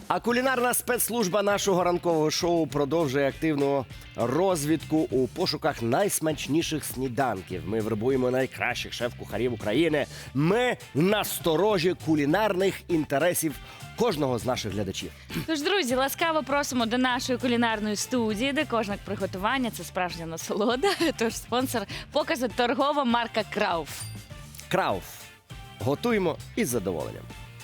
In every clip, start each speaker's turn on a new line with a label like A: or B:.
A: А кулінарна спецслужба нашого ранкового шоу продовжує активну розвідку у пошуках найсмачніших сніданків. Ми вербуємо найкращих шеф-кухарів України. Ми насторожі кулінарних інтересів кожного з наших глядачів.
B: Тож, друзі, ласкаво просимо до нашої кулінарної студії, де кожне приготування – це справжня насолода. Тож спонсор показу – торгова марка Крауф.
A: Крауф. Готуємо із задоволенням.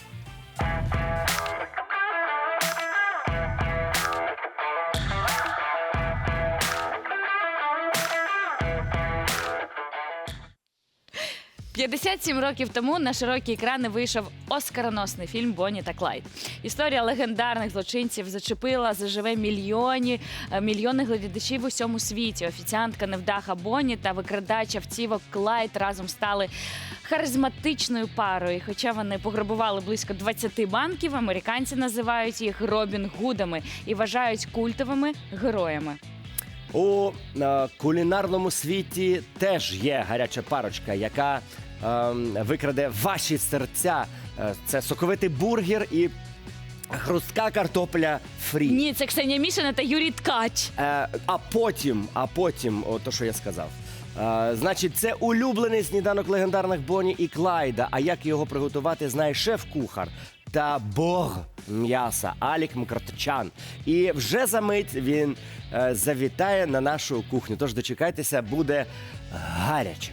B: – 57 років тому на широкі екрани вийшов оскароносний фільм «Бонні та Клайд». Історія легендарних злочинців зачепила заживе мільйони глядачів у всьому світі. Офіціантка невдаха Бонні та викрадач автівок Клайд разом стали харизматичною парою. І хоча вони пограбували близько 20 банків, американці називають їх Робін Гудами і вважають культовими героями.
A: У кулінарному світі теж є гаряча парочка, яка викраде ваші серця. Це соковитий бургер і хрустка картопля фрі.
B: Ні, це Ксенія Мішина та Юрій Ткач.
A: А потім, то, що я сказав. Значить, це улюблений сніданок легендарних Бонні і Клайда. А як його приготувати, знає шеф-кухар та бог м'яса Алік Мкртчян. І вже за мить він завітає на нашу кухню. Тож дочекайтеся, буде гаряче.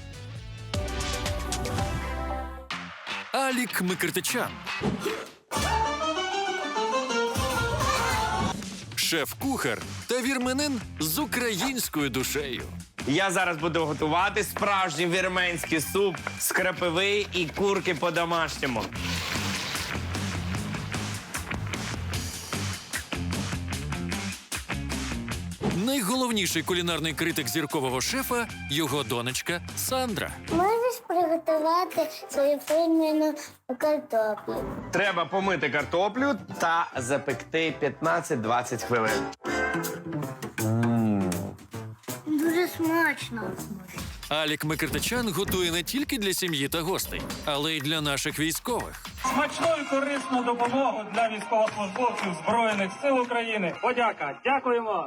C: Алік Мкртчян. Шеф-кухар та вірменин з українською душею.
D: Я зараз буду готувати справжній вірменський суп з крапиви і курки по-домашньому.
C: Найголовніший кулінарний критик зіркового шефа – його донечка Сандра.
E: Можеш приготувати свою фірменну картоплю?
D: Треба помити картоплю та запекти 15-20 хвилин.
E: Дуже смачно.
C: Алік Мкртчян готує не тільки для сім'ї та гостей, але й для наших військових.
F: Смачну і корисну допомогу для військовослужбовців Збройних сил України. Подяка. Дякуємо.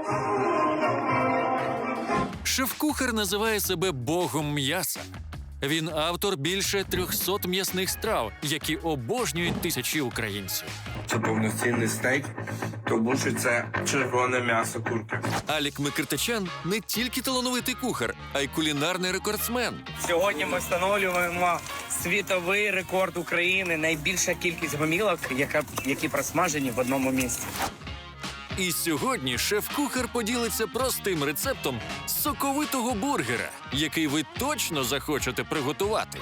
C: Шеф-кухар називає себе богом м'яса. Він автор більше 300 м'ясних страв, які обожнюють тисячі українців.
G: Це повноцінний стейк, тому що це червоне м'ясо курки.
C: Алік Мкртчян не тільки талановитий кухар, а й кулінарний рекордсмен.
D: Сьогодні ми встановлюємо світовий рекорд України. Найбільша кількість гомілок, які просмажені в одному місці.
C: І сьогодні шеф-кухар поділиться простим рецептом соковитого бургера, який ви точно захочете приготувати.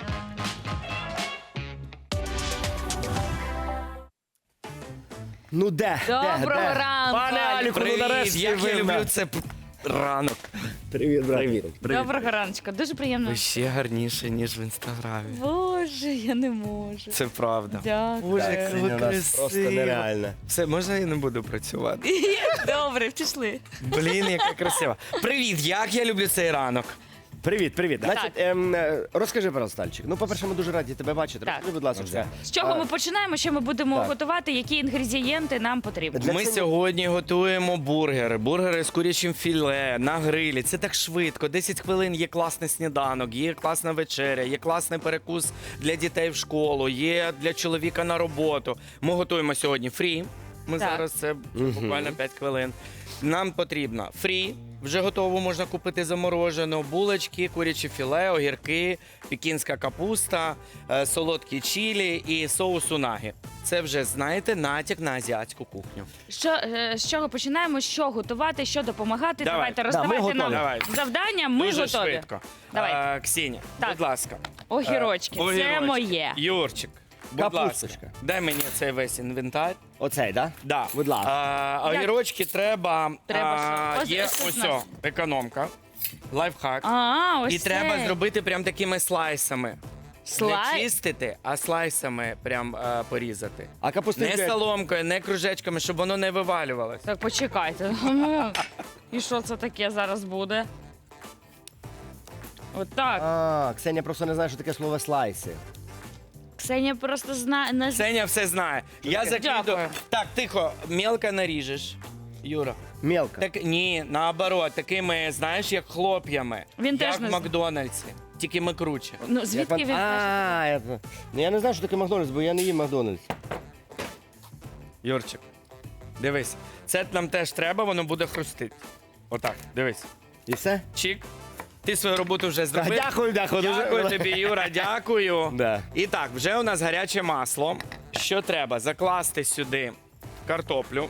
A: Ну де?
B: Доброго ранку,
A: Пане Аліку, ну нарешті
H: як
A: ви
H: я
A: в
H: люблю
A: нас.
H: це ранок.
A: Привіт, брат.
B: Доброго раночка. Дуже приємно.
H: Ви ще гарніше, ніж в інстаграмі.
B: Боже, я не можу.
H: Це правда.
B: Дякую.
H: Боже, як
A: Ксенія,
H: ви
A: у нас просто
H: красиво.
A: нереально.
H: Все, можна я не буду працювати?
B: Добре, пішли.
H: Блін, яка красива. Привіт, як я люблю цей ранок.
A: Привіт. Значить, розкажи, пожалуйста, Альчик. Ну, по-перше, ми дуже раді тебе бачити.
B: Так.
A: Розкажи, будь ласка.
B: З чого ми починаємо, що ми будемо
A: Так.
B: готувати, які інгредієнти нам потрібні?
A: Для
H: Ми
A: цього-
H: сьогодні готуємо бургери. Бургери з курячим філе, на грилі. Це так швидко. 10 хвилин є класний сніданок, є класна вечеря, є класний перекус для дітей в школу, є для чоловіка на роботу. Ми готуємо сьогодні фрі. Ми
B: Так.
H: зараз це буквально 5 хвилин. Нам потрібно фрі. Вже готово можна купити заморожену, булочки, куряче філе, огірки, пекінська капуста, солодкі чілі і соус унагі. Це вже, знаєте, натяк на азіатську кухню.
B: З чого починаємо, що готувати, що допомагати?
H: Давай.
B: Давайте
A: ми
B: роздавайте
A: готові.
B: нам
H: Давай.
B: завдання, ми
H: Дуже
B: готові.
H: швидко.
B: Давай.
H: Ксенія,
B: Так.
H: будь ласка.
B: Огірочки, це
H: Огірочки.
B: моє.
H: Юрчик, будь
A: Капусточка.
H: ласка, дай мені цей весь інвентар.
A: Оцей, да?
H: Да.
A: Будь ласка.
H: Огірочки треба,
B: Треба що?
H: є
B: Ось
H: ось
B: у нас.
H: економка, лайфхак.
B: Ось
H: І
B: це.
H: треба зробити прям такими слайсами.
B: Слайд?
H: Не чистити, а слайсами прям порізати.
A: А капусту
H: Не соломкою, не кружечками, щоб воно не вивалювалося.
B: Так, почекайте. І що це таке зараз буде? Отак.
A: Ксенія просто не знає, що таке слово слайси.
B: Ксенія просто знає.
H: Ксеня все знає. Я закидаю.
B: Дякую.
H: Так, тихо, мелко наріжеш. Юра.
A: Мелко.
H: Так, ні, наоборот, такими, знаєш, як хлоп'ями.
B: Він
H: як
B: теж
H: в
B: не знає.
H: Макдональдсі. Тільки ми круче.
B: Ну, звідки він?
A: Я не знаю, що таке Макдональдс, бо я не їм Макдональдс.
H: Юрчик, дивись. Це нам теж треба, воно буде хрустити. Отак, дивись.
A: І все?
H: Чик. Ти свою роботу вже зробив.
A: Дякую.
H: Дякую тобі, Юра, дякую.
A: Да.
H: І так, вже у нас гаряче масло. Що треба? Закласти сюди картоплю.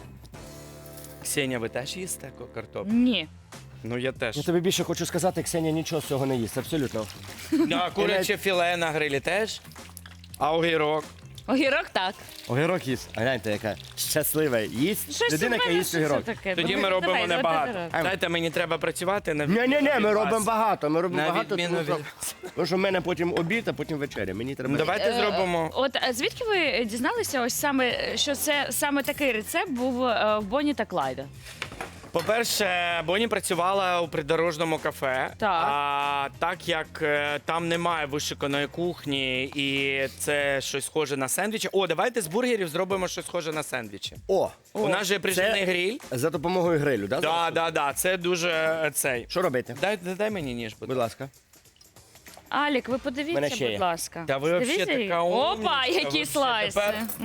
H: Ксенія, ви теж їсте картоплю?
B: Ні.
H: Ну, я теж.
A: Я тобі більше хочу сказати, Ксенія нічого з цього не їсть, абсолютно.
H: А куряче філе на грилі теж? А огірок?
B: Огірок так.
A: Огірок їсть. А гляньте, яка щаслива. Їсть
B: Щось
A: людина,
B: у
A: яка
B: мене
A: їсть
B: щось
A: огірок.
B: таке.
H: Тоді ми
B: Давай,
H: робимо
B: давай,
H: небагато.
B: давай.
H: Знаєте, мені треба працювати на
A: Ні, ми
H: від
A: робимо
H: вас.
A: багато. Ми робимо
H: На
A: багато,
H: відміну
A: тому
H: від
A: що в мене потім обід, а потім вечеря. Мені треба.
H: Давайте зробимо.
B: От звідки ви дізналися, ось саме, що це саме такий рецепт був в Бонні та Клайда?
H: По-перше, Бонні працювала у придорожному кафе.
B: Так.
H: А так як там немає вишиканої кухні і це щось схоже на сендвічі. О, давайте з бургерів зробимо щось схоже на сендвічі.
A: О,
H: У нас же приживний гриль.
A: за допомогою грилю, так?
H: Да. Це дуже цей.
A: Що робити?
H: Дай мені ніж, будь
A: Будь ласка.
B: Алік, ви
A: Мене
B: подивіться,
A: ще є.
B: будь ласка.
H: Та ви взагалі
B: Дивіться,
H: така
B: Опа,
H: умнічка,
B: які
H: вообще.
B: слайси.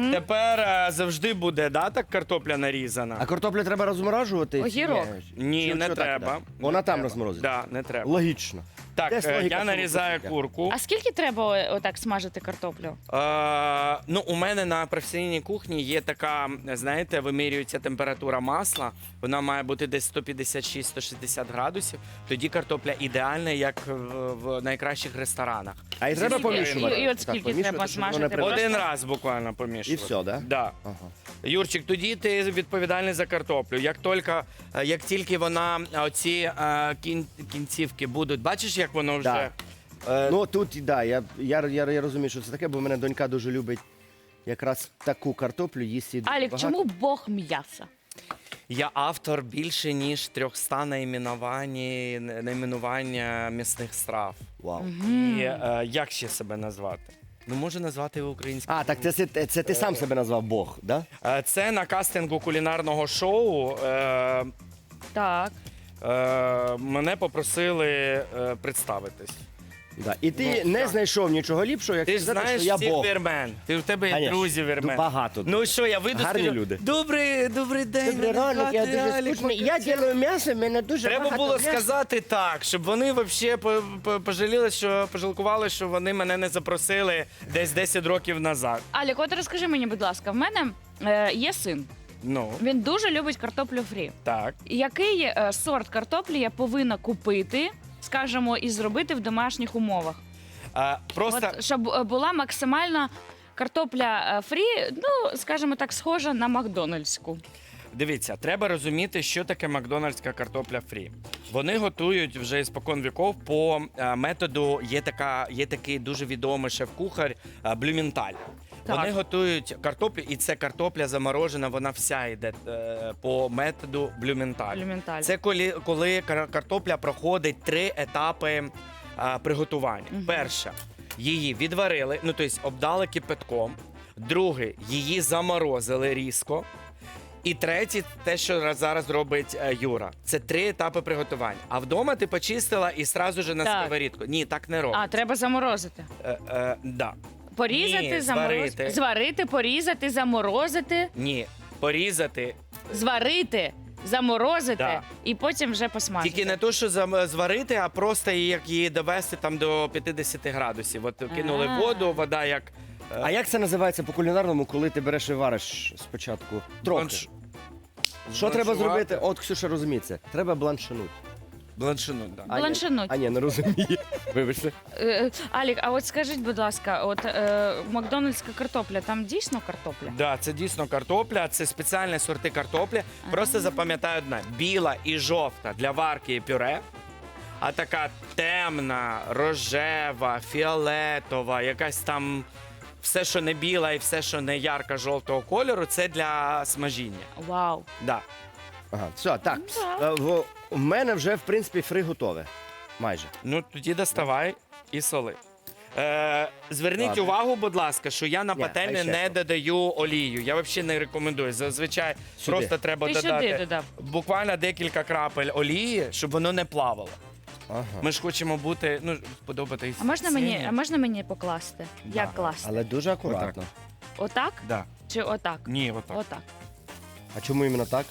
H: Тепер завжди буде, да, так картопля нарізана?
A: А картоплю треба розморажувати?
B: Огірок.
H: Ні,
A: Чи
H: не
A: що так,
H: треба.
A: так? Вона
H: Не
A: там
H: треба.
A: розморозиться?
H: Да, не треба.
A: Логічно.
H: Так,
A: Десь логіка
H: я
A: в цьому
H: нарізаю
A: присутня.
H: курку.
B: А скільки треба отак смажити картоплю?
H: Ну, у мене на професійній кухні є така, знаєте, вимірюється температура масла. Вона має бути десь 156-160 градусів. Тоді картопля ідеальна, як в найкращих ресторанах.
A: А і треба
B: Скільки?
A: помішувати.
B: І от
A: Так,
B: скільки
A: помішувати,
B: треба
A: щоб воно
B: смажити?
A: не
H: Один раз буквально помішувати.
A: І все, да?
H: Да.
A: Ага.
H: Юрчик, тоді ти відповідальний за картоплю. Як тільки вона оці кінцівки будуть, бачиш, як воно вже.
A: Да. Ну тут, да, я розумію, що це таке, бо в мене донька дуже любить якраз таку картоплю їсти. дуже
B: Алік,
A: багато.
B: чому Бог м'яса?
H: Я автор більше ніж 300 найменування м'ясних страв.
A: Вау.
H: І як ще себе назвати? Ну, можу назвати його українською.
A: А, так це ти сам себе назвав Бог, да?
H: Це на кастингу кулінарного шоу.
B: Так.
H: Мене попросили представитись.
A: Да. І ти не знайшов нічого ліпшого, як
H: Ти ж
A: сказати,
H: знаєш
A: що я
H: всіх
A: Бог.
H: вірмен. У тебе є
A: Конечно.
H: друзі вірмен.
A: Багато.
H: Ну що, я вийду
A: Гарні
H: скажу,
A: люди.
H: Добрий день.
A: Добрий
H: мене
A: ранок, я
H: звати
A: дуже
H: Алік
A: скучний. Я
H: Макарчук».
A: ділаю м'ясо, в мене дуже
H: Треба
A: багато
H: було
A: м'яса.
H: сказати так, щоб вони взагалі пожалкували, що вони мене не запросили десь 10 років назад.
B: Алік, от розкажи мені, будь ласка, в мене є син.
H: Ну,
B: Він дуже любить картоплю фрі.
H: так.
B: Який сорт картоплі я повинна купити, скажімо, і зробити в домашніх умовах?
H: Просто
B: От, щоб була максимальна картопля фрі, ну, скажімо так, схожа на макдональдську.
H: дивіться, треба розуміти, що таке макдональдська картопля фрі. Вони готують вже спокон віков по методу, є такий дуже відомий шеф-кухар Блюменталь.
B: Так.
H: Вони готують картоплю, і це картопля заморожена, вона вся йде по методу Блюменталь.
B: Блюменталь.
H: Це коли картопля проходить 3 етапи приготування. Перше, її відварили, ну тобто обдали кипятком. Друге, її заморозили різко. І третє, те, що зараз робить Юра. Це 3 етапи приготування. А вдома ти почистила і одразу ж на
B: Так.
H: сковорідку. Ні, так не робить.
B: А, треба заморозити.
H: Да.
B: Порізати,
H: Ні,
B: заморозити.
H: зварити.
B: Зварити, порізати, заморозити,
H: Ні, порізати.
B: зварити, заморозити
H: Да.
B: і потім вже посмажити.
H: Тільки не то, що зварити, а просто як її довести там до 50 градусів. От кинули
B: А.
H: воду, вода як...
A: А як це називається по кулінарному, коли ти береш і вариш спочатку? Трохи. Що треба зробити? От Ксюша розуміє це. Треба бланшинуть.
H: Бланшинуть, да.
B: Бланшинуть.
A: А ні, не розуміє. Вибачте.
B: Алік, а от скажіть, будь ласка, от макдональдська картопля, там дійсно картопля?
H: Да, це дійсно картопля, це спеціальні сорти картоплі. Просто запам'ятай одне: біла і жовта для варки і пюре, а така темна, рожева, фіолетова, якась там все, що не біла і все, що не ярка жовтого кольору, це для смажіння.
B: Вау.
H: Да.
A: Ага, все, так.
B: Да.
A: У мене вже, в принципі, фри готове. Майже.
H: Ну тоді доставай і соли. Зверніть
A: Ладно.
H: увагу, будь ласка, що я на
A: Ні,
H: пательню
A: хай ще
H: не
A: що.
H: додаю олію. Я взагалі не рекомендую. Зазвичай
A: Сюди.
H: просто треба
B: Ти сюди
H: додати
B: додав.
H: буквально декілька крапель олії, щоб воно не плавало.
A: Ага.
H: Ми ж хочемо бути, сподобатись.
B: А можна мені покласти?
H: Да.
B: Як класти?
A: Але дуже акуратно.
B: Отак?
H: Да.
B: Чи отак?
H: Ні, отак.
B: Отак.
A: А чому іменно так?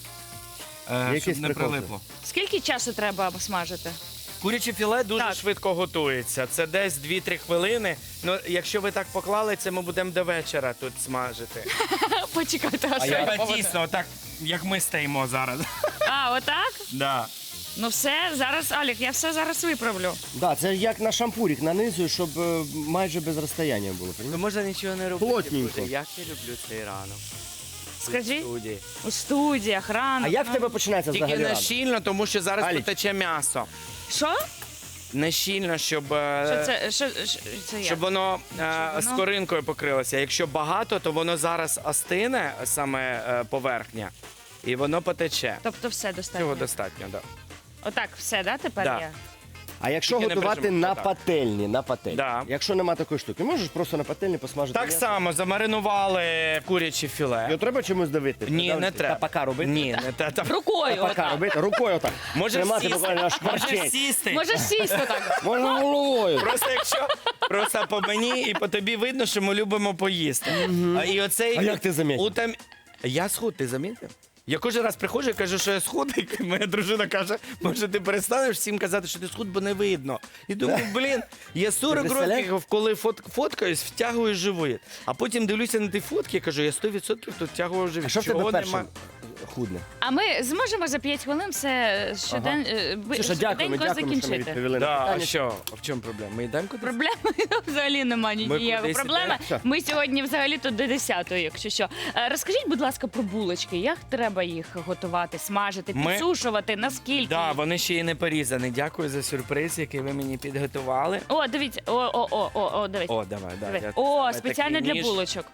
A: якийсь
H: Щоб не
A: прикол
H: прилипло.
B: Скільки часу треба смажити?
H: Куряче філе дуже
B: Так.
H: швидко готується. Це десь 2-3 хвилини. Ну, якщо ви так поклали, це ми будемо до вечора тут смажити.
B: Почекайте, а що?
H: Треба тісно, так як ми стоїмо зараз.
B: А, отак?
H: Да.
B: Ну все, зараз, Алік, я все зараз виправлю.
A: Да, це як на шампурик нанизую, щоб майже без розстояння було.
H: Ну можна нічого не робити.
A: Плотненько.
H: Боже, як я люблю цей ранок.
B: Скажи,
H: Студії.
B: у студіях, рано.
A: А як в тебе починається
H: Тільки
A: взагалі
H: не
A: ранок?
H: щільно, тому що зараз
A: Аліч.
H: потече м'ясо.
B: Що?
H: Не щільно, щоб,
B: Що це? Це як?
H: щоб воно
B: воно-
H: скоринкою покрилося. Якщо багато, то воно зараз остине, саме поверхня, і воно потече.
B: Тобто все достатньо.
H: Цього достатньо, так.
B: Отак, все, да, тепер
H: Да.
B: є?
A: А якщо
H: Тільки не
A: готувати
H: прижимай,
A: на
H: так.
A: пательні,
H: Да.
A: якщо нема такої штуки, можеш просто на пательні посмажити
H: Так
A: м'ясо?
H: само замаринували куряче філе.
A: Його треба чимось давити?
H: Ні, не
A: Давити?
H: треба.
A: Тапака робити?
H: Ні, не треба.
B: Рукою.
A: Тапака
B: отак.
A: робити? Рукою отак.
H: Може
A: Тримати
H: сісти.
A: буквально аж
H: Може
A: парчить.
H: сісти.
B: Можеш сісти так.
A: Можна головою.
H: Просто якщо просто по мені і по тобі видно, що ми любимо поїсти. І оцей
A: А як ти замітив?
H: Я схуд, ти замітив? Я кожен раз приходжу і кажу, що я схудий. Моя дружина каже, може ти перестанеш всім казати, що ти схуд, бо не видно. І думаю, блін, я 40
A: представляєш?
H: років, коли фоткаюсь, втягую живіт. А потім дивлюся на ті фотки і кажу, я 100% тут втягую живіт.
A: А що в
H: Чого
A: тебе першим
H: нема?
A: худне?
B: А ми зможемо за 5 хвилин все
A: Слушай, дякуємо,
B: швиденько
A: що ми
B: закінчити.
A: відповіли на
H: Да, а
A: питання.
H: що? А в чому проблема? Ми йдемо кудись?
B: Проблеми взагалі немає ніякої
H: кудись
B: проблеми.
A: ідемо.
B: Ми сьогодні взагалі тут до 10-ї, якщо що. Розкажіть, будь ласка, про булочки. Як треба їх готувати, смажити,
H: Ми-
B: підсушувати, наскільки?
H: Да, вони ще й не порізані. Дякую за сюрприз, який ви мені підготували.
B: О, дивіться, о, дивіться.
H: О, давай,
B: Диви.
H: я
B: О,
H: саме
B: спеціально
H: такий
B: для
H: ніж.
B: булочок.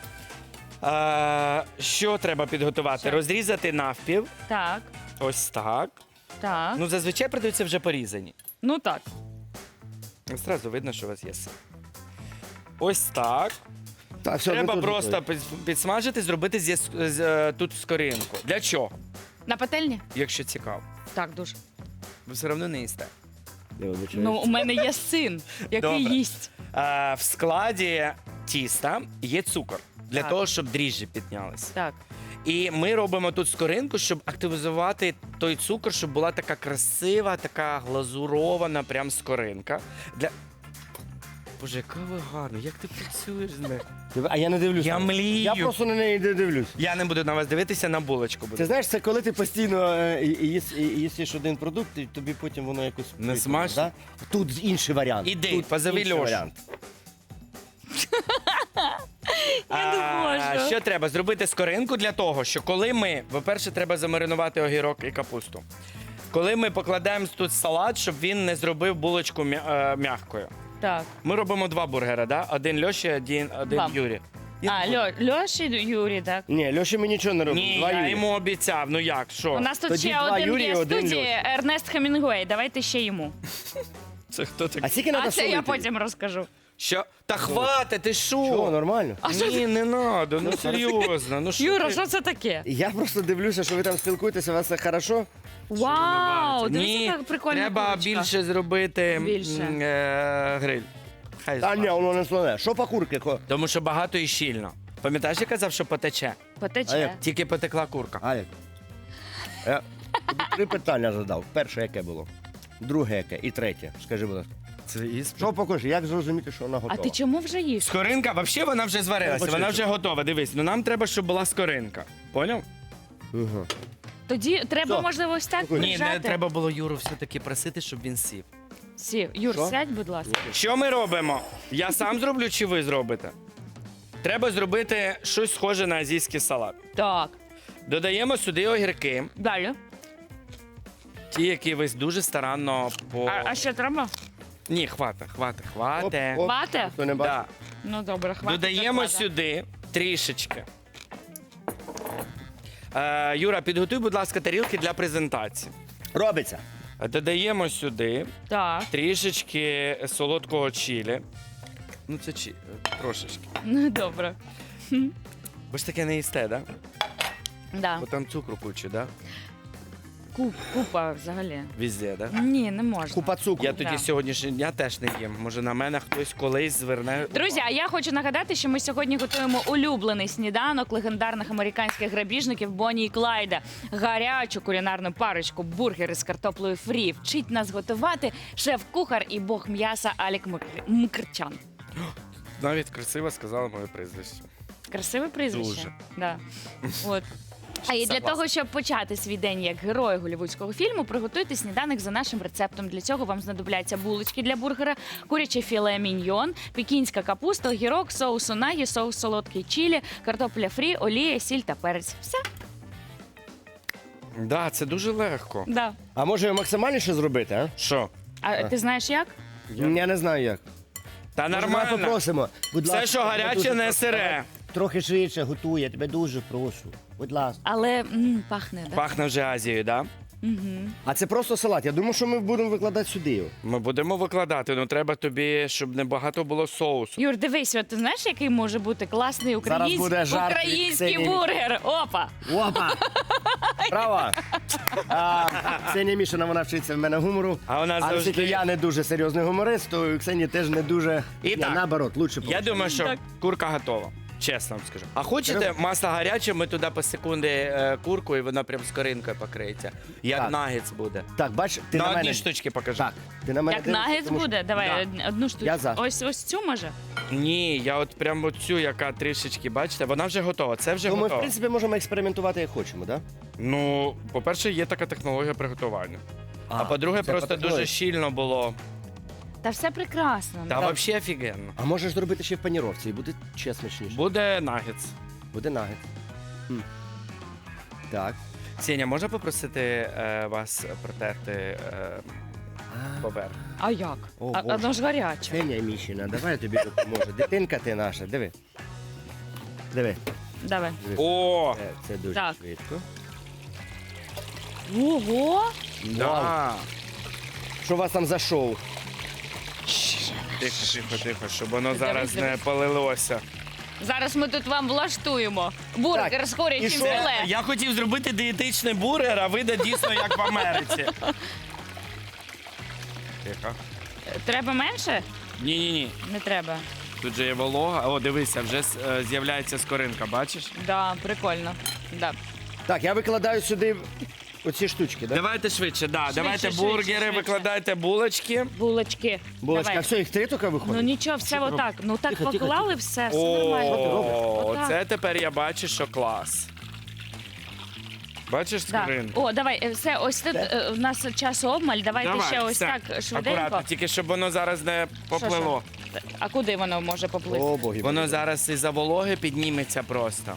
H: Що треба підготувати?
B: Що?
H: Розрізати навпіл.
B: Так,
H: Ось так.
B: так.
H: Ну, зазвичай продаються вже порізані.
B: Ну так.
H: Зразу видно, що у вас є сир. Ось так.
A: Так, все, ми
H: Треба
A: тут
H: просто
A: готові.
H: підсмажити, зробити тут скоринку. Для чого?
B: На пательні?
H: Якщо цікаво.
B: Так, дуже.
H: Ви все одно не їсте.
A: Я вибачаюсь.
B: Ну, у мене є син, який
H: Добре.
B: їсть.
H: В складі тіста є цукор. Для
B: Так.
H: того, щоб дріжджі піднялися.
B: Так.
H: І ми робимо тут скоринку, щоб активізувати той цукор, щоб була така красива, така глазурована прям скоринка. Боже, яка ви гарна, як ти працюєш з нею?
A: А я не дивлюся.
H: Я млію.
A: Я просто на неї не дивлюсь.
H: Я не буду на вас дивитися, на булочку буду.
A: Ти знаєш, це коли ти постійно їсиш один продукт, і тобі потім воно якось...
H: Не
A: прикольно,
H: смачно?
A: да? Тут інший варіант.
H: Іди,
A: Тут
H: позови
A: інший
H: Льошу.
A: варіант.
B: Я не можу.
H: Що треба? Зробити скоринку для того, що коли ми, по-перше, треба замаринувати огірок і капусту. Коли ми покладаємо тут салат, щоб він не зробив булочку м'якою.
B: Так.
H: Ми робимо 2 бургери, да? Один Льоші, один
B: Вам.
H: Юрі.
B: Льоші, Юрій, так.
A: Ні, Льоші ми нічого не робимо.
H: Ні,
A: Два
H: я
A: Юрія.
H: йому обіцяв. Ну як, що?
B: У нас тут
A: Тоді
B: ще
A: два
B: один
A: Юрія,
B: є в
A: один
B: студії,
A: Льоша.
B: Ернест Хемінгуей. Давайте ще йому.
H: Це хто такий?
A: А скільки треба
B: А це
A: солити?
B: я потім розкажу.
H: Що? Та хвати, ти що?
A: Чого, нормально?
H: Ні, не надо, ну серйозно. Ну, що
B: Юра,
H: ти?
B: що це таке?
A: Я просто дивлюся, що ви там спілкуєтеся, у вас все хорошо.
B: Вау,
H: Ні,
B: дивіться, як прикольна
H: треба
B: курочка.
H: більше зробити
B: Більше.
H: гриль. Хай
A: Та ні,
H: смажить.
A: воно не слоне. Що по курки?
H: Тому що багато і щільно. Пам'ятаєш, я казав, що потече?
A: А
B: Потече.
A: як?
H: Тільки потекла курка.
A: Алік, я тобі 3 питання задав. Перше яке було? Друге яке? І третє. Скажи, будь ласка.
H: Це іспит.
A: Що покажи, як зрозуміти, що вона
B: А
A: готова?
B: ти чому вже їш?
H: Скоринка, взагалі вона вже зварилася,
A: Я
H: вона
A: бачу.
H: вже готова. Дивись, ну нам треба, щоб була скоринка. Поняв?
A: Угу.
B: Тоді треба,
A: Що?
B: можливо, ось так
A: Спокійно.
H: Ні,
B: прижати.
H: не треба було Юру все-таки просити, щоб він сів.
B: Сів. Юр,
A: Що?
B: сядь, будь ласка.
H: Що ми робимо? Я сам зроблю чи ви зробите? Треба зробити щось схоже на азійський салат.
B: Так.
H: Додаємо сюди огірки,
B: Далі.
H: ті, які ви дуже старанно по.
B: А що треба?
H: Ні, хвата.
B: Хвате?
A: Хто не бачить?
H: Да.
B: Ну добре, хватить.
H: Додаємо
B: хватить.
H: сюди трішечки. Юра, підготуй, будь ласка, тарілки для презентації.
A: Робиться.
H: Додаємо сюди
B: Так,
H: трішечки солодкого чилі. Ну, це трошечки.
B: ну добре.
H: Ви ж таке не їсте, так? Да?
B: Да.
H: Бо там цукру кучу, да?
B: Купа взагалі.
H: Везде, да?
B: Ні, не можна.
A: Купа цукру.
H: Я тоді
B: Да.
H: сьогоднішнього дня теж не їм. Може, на мене хтось колись зверне.
B: Друзі, а я хочу нагадати, що ми сьогодні готуємо улюблений сніданок легендарних американських грабіжників Бонні і Клайда. Гарячу кулінарну парочку, бургери з картоплею фрі. Вчить нас готувати шеф-кухар і бог м'яса Алік Мкртчян.
H: Навіть красиво сказала моє прізвище.
B: Красиве прізвище.
H: Дуже.
B: Да. От. А і для
H: Согласна.
B: того, щоб почати свій день як герой голівудського фільму, приготуйте сніданок за нашим рецептом. Для цього вам знадобляться булочки для бургера, куряче філе міньйон, пекінська капуста, огірок, соус унагі, соус солодкий чилі, картопля фрі, олія, сіль та перець. Все.
H: Да, це дуже легко.
B: Да.
A: А може максимальніше зробити, а?
H: Що?
B: А ти знаєш як?
A: Я не знаю як.
H: Та
A: Може, давай
H: нормально.
A: попросимо. Будь
H: Все,
A: ласка,
H: що
A: тебе
H: гаряче,
A: дуже
H: не
A: прошу.
H: сире.
A: Трохи швидше готуй, я тебе дуже прошу. Будь ласка.
B: Але пахне, да?
H: Пахне вже Азією, да?
B: Угу.
A: А це просто салат. Я думаю, що ми будемо викладати сюди його.
H: Ми будемо викладати, але треба тобі, щоб не багато було соусу.
B: Юр, дивись, от ти знаєш, який може бути класний
A: Зараз буде жарт від
B: український
A: Ксенії.
B: бургер? Опа!
A: Опа! Право! Ксенія Мішина, вона вчиться в мене гумору.
H: А вона
A: оскільки
H: завжди-
A: я не дуже серйозний гуморист, то Ксенія теж не дуже...
H: І
A: Ні,
H: так.
A: наоборот, лучше
H: Я думаю, що
B: Так.
H: курка готова. Чесно вам скажу. А хочете масло гаряче, ми туди по секунди курку, і вона прям з коринкою покриється. Як
A: Так.
H: нагетс буде.
A: Так, бач, ти
H: На
A: на
H: одній
A: мене...
H: штучці покажи.
A: Так, ти на мене
B: Як
A: дивишся,
B: нагетс
A: тому що-
B: буде? Давай одну штуку.
A: Я за.
B: Ось цю може?
H: Ні, я от прям оцю, яка трішечки, бачите, вона вже готова. Це вже
A: То ми, в
H: готово.
A: принципі, можемо експериментувати як хочемо, так?
H: Ну, по-перше, є така технологія приготування. А по-друге,
A: це
H: просто
A: по-такої.
H: дуже щільно було.
B: Та все прекрасно.
H: Та взагалі офігенно.
A: А можеш зробити ще в паніровці і буде ще смачніше.
H: Буде нагетс.
A: Буде нагет. Так.
H: Сеня, можна попросити вас протерти поверх?
B: А як?
A: О,
B: А
A: Боже.
B: воно ж гаряче.
A: Ксенія Мішина, давай я тобі допоможу. Дитинка ти наша, диви. Диви.
B: Давай.
H: О!
A: Це дуже
B: Так.
A: швидко.
B: Ого!
H: Да.
A: Що у вас там за шоу?
H: Тихо, щоб воно зараз не
B: дивись.
H: полилося.
B: Зараз ми тут вам влаштуємо бургер
A: Так,
B: з
A: і
B: курячим
A: що?
B: філе.
H: Я хотів зробити дієтичний бургер, а вийде дійсно як в Америці. Тихо.
B: Треба менше?
H: Ні.
B: Не треба.
H: Тут же є волога. О, дивися, вже з'являється скоринка, бачиш?
B: Да, прикольно. Да.
A: Так, я викладаю сюди оці штучки, так?
H: Давайте швидше, давайте
B: швидше,
H: бургери,
B: швидше.
H: викладайте булочки.
B: Булочки.
A: Булочка,
B: Давай.
A: все, їх три тільки виходить?
B: Ну нічого, все отак. Ну так
A: Тихо, тихо,
B: поклали все нормально.
H: О,
B: Отак.
H: це тепер я бачу, що клас. Бачиш
B: Да.
H: скоринку?
B: О, давай, все, ось тут у нас часу обмаль. Давайте ще ось
H: все.
B: так швиденько.
H: Акуратно, тільки щоб воно зараз не поплило.
B: А куди воно може поплисти?
A: О, боги.
H: Воно зараз із-за вологи підніметься просто.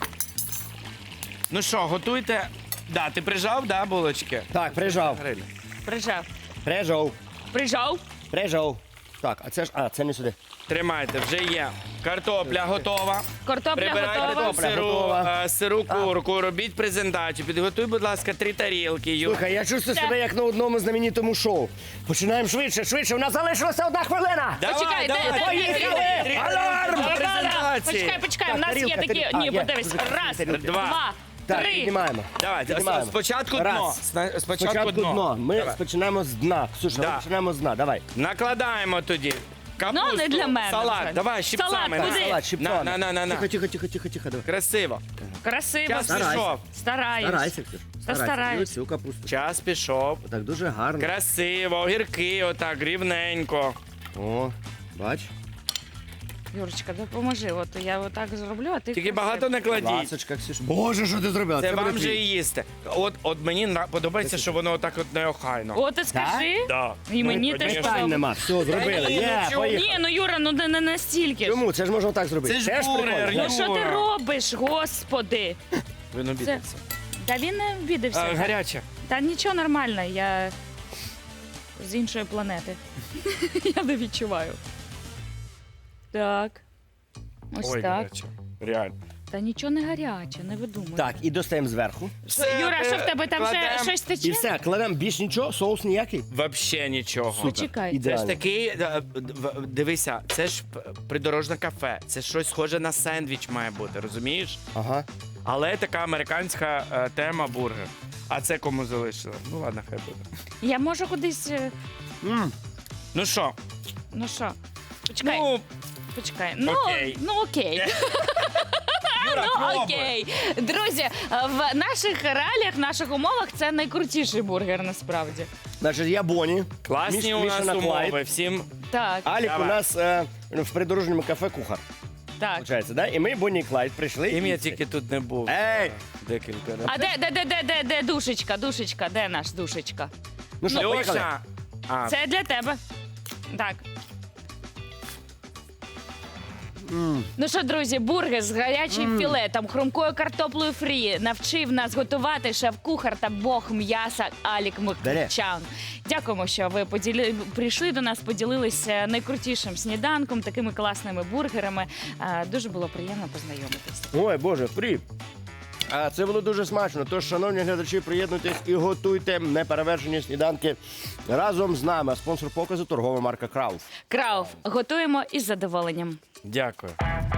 H: Ну що, готуйте. Да, ти прижав, да, булочки?
A: Так, прижав.
H: Гриль.
B: Прижав.
A: Прижав.
B: Прижав.
A: Прижав. Так, а це ж. А, це не сюди.
H: Тримайте, вже є. Картопля готова.
B: Картопля
H: Прибирайте
B: готова.
A: Картопля
H: сиру,
A: готова.
H: сиру курку, робіть презентацію. Підготуй, будь ласка, 3 тарілки.
A: Слухай, я чувствую себе як на одному знаменитому шоу. Починаємо швидше. У нас залишилася 1 хвилина.
H: Давай,
B: Почекай,
H: давай,
B: де?
H: поїхали!
A: Аларм!
H: Презентації.
B: Почекай, у нас є
A: тарілка,
B: такі.
A: тарілка.
B: Ні,
A: А, є.
B: подивись. Раз,
A: Тарілки.
B: два,
A: Так,
B: три.
A: піднімаємо.
H: Давай,
A: Піднімаємо.
H: спочатку дно.
A: Раз.
H: Спочатку дно.
A: Ми
H: Давай.
A: починаємо з дна. Ксюша,
H: Да.
A: ми починаємо з дна. Давай.
H: Накладаємо тоді. Капусту,
B: Ну, не для мене
H: салат.
B: вже.
H: Давай, щипцами.
B: Салат,
H: на.
B: куди?
A: Салат, щипцями.
H: На.
A: Тихо. Давай.
H: Красиво.
B: Красиво.
H: Час
A: Старайся.
H: пішов.
B: Стараюсь.
A: Старайся, Ксюш.
B: Та стараюсь.
A: Цю капусту.
H: Час пішов.
A: Так дуже гарно.
H: Красиво, огірки отак, рівненько.
A: О, бач.
B: Юрочка, допоможи. От я отак зроблю, а ти
H: Тільки
B: красиво.
H: багато не кладіть.
A: Ласочка, Ксюш. Боже, що ти зробила?
H: Це
A: буде
H: вам же
A: твій.
H: і їсти. От мені подобається, що воно отак от неохайно.
B: О, ти скажи.
H: Да.
B: І мені
H: Ну,
B: теж
H: конечно.
A: Питань нема. Все, зробили.
H: ні,
A: Є,
H: ну чого?
A: поїхали.
B: Ні, ну Юра, ну не настільки. ж.
A: Чому? Це ж можна так зробити.
H: Це ж
A: Теж
H: бургер,
A: прикольно.
B: Ну що ти
H: Юра.
B: робиш, господи?
H: Він обідався.
B: Та він не обідався.
H: Гаряче.
B: Та нічого нормально, я з іншої планети. Я не відчуваю. Так. Ось
H: Ой,
B: так.
H: гаряче. Реально.
B: Та нічого не гаряче, не видумуй.
A: Так, і достаємо зверху.
B: Юра, що в тебе там ще
H: кладем.
B: щось тече?
A: І все, кладемо більш нічого, соус ніякий.
H: Вообще нічого.
B: Почекай.
H: Це ж
A: Ідеально.
H: такий, дивися, це ж придорожне кафе. Це щось схоже на сендвіч має бути, розумієш?
A: Ага.
H: Але така американська тема бургер. А це кому залишили? Ну ладно, хай буде.
B: Я можу кудись.
H: Ну що?
B: Ну що? Почекай.
H: Ну,
B: Почекай.
H: окей.
B: Ну окей.
H: Юра,
B: Ну
H: пробуй.
B: окей. Друзі, в наших реаліях, в наших умовах це найкрутіший бургер насправді.
A: Значить, я Боні.
H: Класні у нас
A: Мішана
H: умови.
A: Клайд.
H: Всім
B: Так,
A: Алік
H: Давай.
A: у нас в придорожньому кафе кухар.
B: так.
A: Получається, да? І ми, Бонні і Клайд, прийшли.
H: ім'я
A: і-
H: тільки тут не був.
A: Ей!
H: Декілька разів.
B: А де душечка? Душечка, де наш душечка?
A: Ну що, поїхали?
H: Льоша! А,
B: Це для тебе. Так. Ну що, друзі, бургер з гарячим філетом, хрумкою картоплею фрі навчив нас готувати шеф-кухар та бог м'яса Алік Микчан. Дякуємо, що ви прийшли до нас, поділилися найкрутішим сніданком, такими класними бургерами. Дуже було приємно познайомитися.
A: Ой, Боже, фрі. А це було дуже смачно. Тож, шановні глядачі, приєднуйтесь і готуйте неперевершені сніданки разом з нами. А спонсор показу торгова марка Крауф.
B: Крауф, готуємо із задоволенням.
H: дякую.